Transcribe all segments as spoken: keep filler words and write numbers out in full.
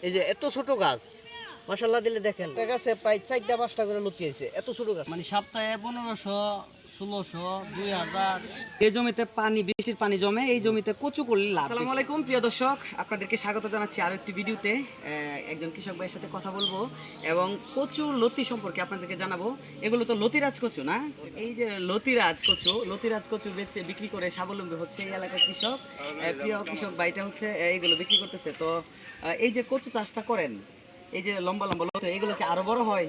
এই যে এত ছোট গাছ মাশাআল্লাহ দিলে দেখেন গাছে প্রায় চারটা পাঁচটা করে লতি আছে এত ছোট গাছ মানে সপ্তাহে পনেরোশো ষোলোশো দুই হাজার। এই জমিতে পানি বৃষ্টির পানি জমে এই জমিতে কচু করলে লাভ। আসসালামু আলাইকুম প্রিয় দর্শক, আপনাদেরকে স্বাগত জানাচ্ছি আরো একটি ভিডিওতে। একজন কৃষক ভাইয়ের সাথে কথা বলবো এবং কচু লতি সম্পর্কে আপনাদেরকে জানাবো। এগুলো তো লতিরাজ কচু না, এই যে লতিরাজ কচু লতিরাজ কচু বেচে বিক্রি করে স্বাবলম্বী হচ্ছে এই এলাকার কৃষক। প্রিয় কৃষক ভাইটা হচ্ছে এইগুলো বিক্রি করতেছে। তো এই যে কচু চাষটা করেন, এই যে লম্বা লম্বা লতি, এগুলো কি আরো বড় হয়?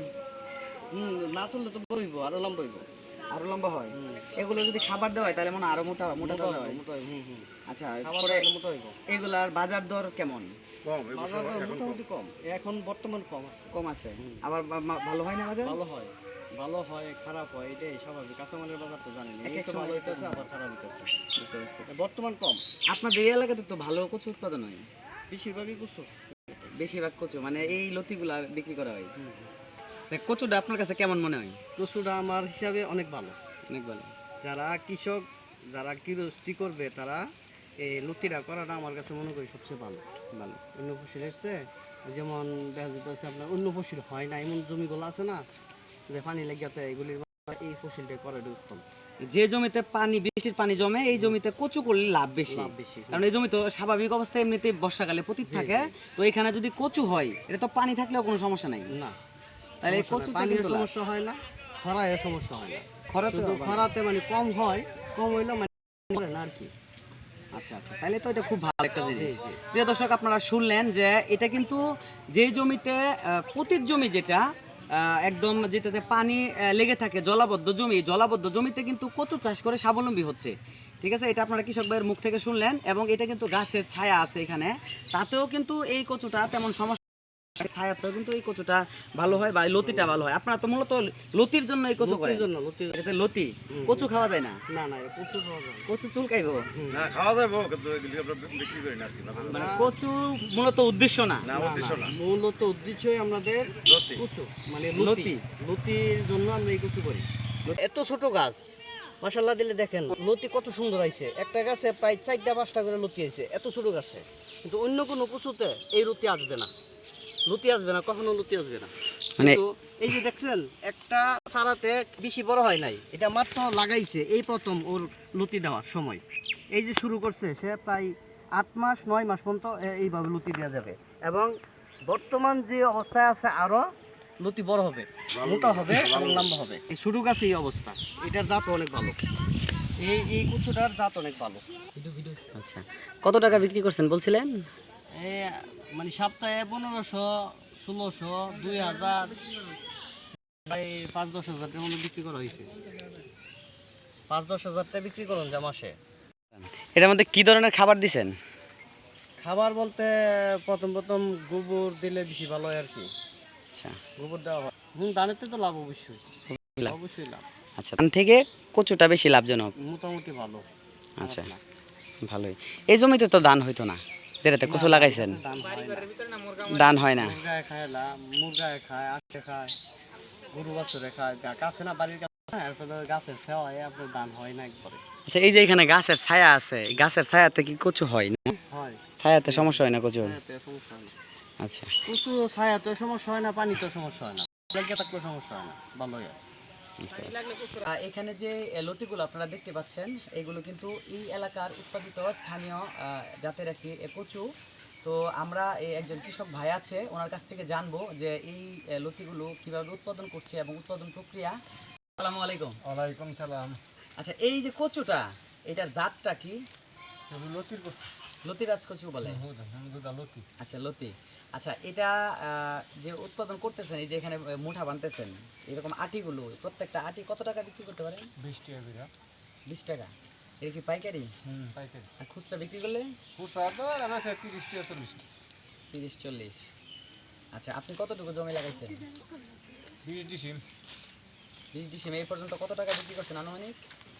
হম না তুললে তো বইবো আরো লম্বা হইব, আরো লম্বা হয়। এগুলো যদি খাবার দেওয়া হয় তাহলে মনে আরো মোটা মোটা মোটা হয়। মোটা হয়। হুম হুম আচ্ছা, খাবার পরে দিলে মোটা হইব। এগুলার বাজার দর কেমন? বাজার দর মোটামুটি কম, এখন বর্তমান কম আছে। কম আছে। আবার বা- বা- ভালো হয় না বাজার? ভালো হয়, ভালো হয় খারাপ হয়, এটাই স্বাভাবিক। কাঁচামালের বাজার তো জানেন, এক এক এক সময় সময় ভালো হইতেছে আবার খারাপ হইতেছে। বুঝতে পারছি। বর্তমান কম, আপনাদের এই এলাকাতে তো ভালো কচু উৎপাদন হয়, বেশিরভাগই কুসু। বেশিরভাগ কচু মানে এই লতিগুলা বিক্রি করা হয়। তা কচুটা আপনার কাছে কেমন মনে হয়? কচুটা আমার হিসাবে অনেক ভালো। অনেক ভালো। যারা কৃষক, যারা কৃষি করবে তারা এই লতিরা করাটা আমার কাছে মনে করি সবচেয়ে ভালো। ভালো অন্য ফসল এসছে, যেমন দেখা যেতেছে আপনার অন্য ফসল হয় না, এমন জমিগুলো আছে না যে পানি লেগে এগুলির এই ফসলটা করাটা উত্তম। যে জমিতে পানি বৃষ্টির পানি জমে এই জমিতে কচু করলে লাভ বেশি। লাভ বেশি। কারণ এই জমি তো স্বাভাবিক অবস্থায় এমনিতে বর্ষাকালে পতিত থাকে, তো এখানে যদি কচু হয় এটা তো পানি থাকলেও কোনো সমস্যা নাই না, তাহলে এই কচুতে পানির কিন্তু লাভ। সমস্যা হয় না, খরায় সমস্যা হয় না। খরাতে শুধু খরাতে মানে কম হয়, কম হইলেও মানে করে না আর কি। আচ্ছা আচ্ছা, তাহলে তো এটা খুব ভালো একটা জিনিস। প্রিয় দর্শক, আপনারা শুনলেন যে এটা কিন্তু যে জমিতে আহ, পতিত জমি যেটা আহ, একদম যেটাতে পানি আহ, লেগে থাকে, জলাবদ্ধ জমি, জলাবদ্ধ জমিতে কিন্তু কচু চাষ করে স্বাবলম্বী হচ্ছে। ঠিক আছে, এটা আপনারা কৃষক ভাইয়ের মুখ থেকে শুনলেন। এবং এটা কিন্তু গাছের ছায়া আছে এখানে, তাতেও কিন্তু এই কচুটা তেমন সমস্যা, ছায়াতেও কিন্তু এই কচুটা ভালো হয় বা এই লতিটা ভালো হয়। আপনারা তো মূলত লতির জন্য এই কচু করেন। লতির জন্য, লতির এটা লতি, কচু খাওয়া যায় না? না না, কচু খাওয়া যায় না। কচু চুলকাইবো না, খাওয়া যাবে কিন্তু এগুলি আমরা বিক্রি করি না আর কি। মানে কচু মূলত উদ্দেশ্য না। না, উদ্দেশ্য না। মূলত উদ্দেশ্যই আমাদের লতি। কচু, মানে লতি। লতি, লতির জন্য আমরা এই কচু করি। এত ছোট গাছ মাশাআল্লাহ দিলে দেখেন লতি কত সুন্দর আইছে। একটা গাছে প্রায় চারটা পাঁচটা করে লতি আইছে এত ছোট গাছে। কিন্তু অন্য কোনো কচুতে এই লতি আসবে না, লতি আসবে না, কখনো লতি আসবে না। মানে কিন্তু এই যে দেখছেন একটা চারাতে বেশি বড় হয় নাই, এটা মাত্র লাগাইছে এই প্রথম ওর লতি দেওয়ার সময়। এই যে শুরু করছে সে প্রায় আট মাস নয় মাস পর্যন্ত এ- এইভাবে লতি দেওয়া যাবে। এবং বর্তমান যে অবস্থায় আছে আরো লতি বড় হবে, মোটা হবে এবং লম্বা হবে। এই ছোট গাছে এই অবস্থা, এটার জাত অনেক ভালো, এই এই কচুটার জাত অনেক ভালো। আচ্ছা, কত টাকা বিক্রি করছেন বলছিলেন? এই মানে সপ্তাহে পনেরোশো ষোলোশো দুই হাজার প্রায় পাঁচ দশ হাজার টাকার মতো বিক্রি করা হয়েছে। পাঁচ দশ হাজার টাকা বিক্রি করুন যা মাসে। এটার মধ্যে কি ধরনের খাবার দিছেন? খাবার বলতে প্রথম প্রথম গোবর দিলে বেশি ভালো হয় আর কি, আচ্ছা গোবর দেওয়া হয়। হুম, ধানেতে তো লাভ অবশ্যই, লাভ। অবশ্যই লাভ, আচ্ছা, ধান থেকে কচুটা বেশি লাভজনক। মোটামুটি ভালো। আচ্ছা, ভালোই। এই জমিতে তো ধান হইতো না, যেটাতে কচু লাগাইছেন? দাম হয় না, ধান হয় না। মুরগায় খায়, লা- মুরগায় খায়, আটে খায়, গরু বাছুরে খায়, গা- গাছে না বাড়ির কাছে, এরপরে গাছের সেওয়ায় আপনার ধান হয় না একবারে। আচ্ছা, এই যে এখানে গাছের ছায়া আছে, এই গাছের ছায়াতে কি কচু হয় না? হয়, ছায়াতে সমস্যা হয় না কচুর? ছায়াতে সমস্যা হয় না। আচ্ছা, কচু ছায়াতে সমস্যা হয় না, পানিতে সমস্যা হয় না, লেগে থাকলে সমস্যা হয় না, ভালোই হয়। বুঝতে পারছি। আহ, এখানে যে আহ, লতিগুলো আপনারা দেখতে পাচ্ছেন, এগুলো কিন্তু এই এলাকার উৎপাদিত স্থানীয় আহ, জাতের একটি আহ, কচু। তো আমরা এই একজন কৃষক ভাই আছে, ওনার কাছ থেকে জানবো যে এই আহ, লতিগুলো কিভাবে উৎপাদন করছে এবং উৎপাদন প্রক্রিয়া। আসসালামু আলাইকুম। ওয়ালাইকুম সালাম। আচ্ছা, এই যে কচুটা, এটার জাতটা কি? লতির লতিরাজ কচু বলে। লতি। আচ্ছা, লতি। আচ্ছা, এটা আহ, যে উৎপাদন করতেছেন, এই যে এখানে আহ, মুঠা বানতেছেন, এরকম আটিগুলো প্রত্যেকটা আটি কত টাকা বিক্রি করতে পারেন? বিশ টাকা বিঘা। বিশ টাকা। এটা কি পাইকারি? হুম, পাইকারি। আর খুচরা বিক্রি করলে? খুচরা তো আমার তিরিশ টাকা চল্লিশ টাকা। তিরিশ চল্লিশ। আচ্ছা, আপনি কতটুকু জমি লাগাইছেন? বিশ ডিসিম। বিশ ডিসিম। এই পর্যন্ত কত টাকা বিক্রি করছেন আনুমানিক?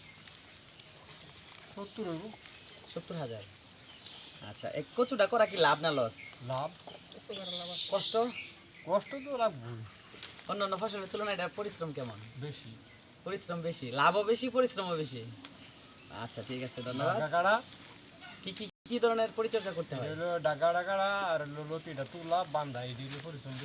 সত্তর হইব। সত্তর হাজার। আচ্ছা, এই কচুটা করা কি লাভ না লস? লাভ। কষ্ট? কষ্ট তো লাভ অন্য অন্য ফসলের তুলনায় এটা পরিশ্রম কেমন? বেশি। পরিশ্রম বেশি, লাভও বেশি, পরিশ্রমও বেশি। আচ্ছা, ঠিক আছে, ধন্যবাদ। কাড়া কি কি কি ধরনের পরিচর্যা করতে হয়? হলো ডাগা ডাগাড়া আর হলো লতিটা তুলা বান্ধা এই দিলে পরিশ্রম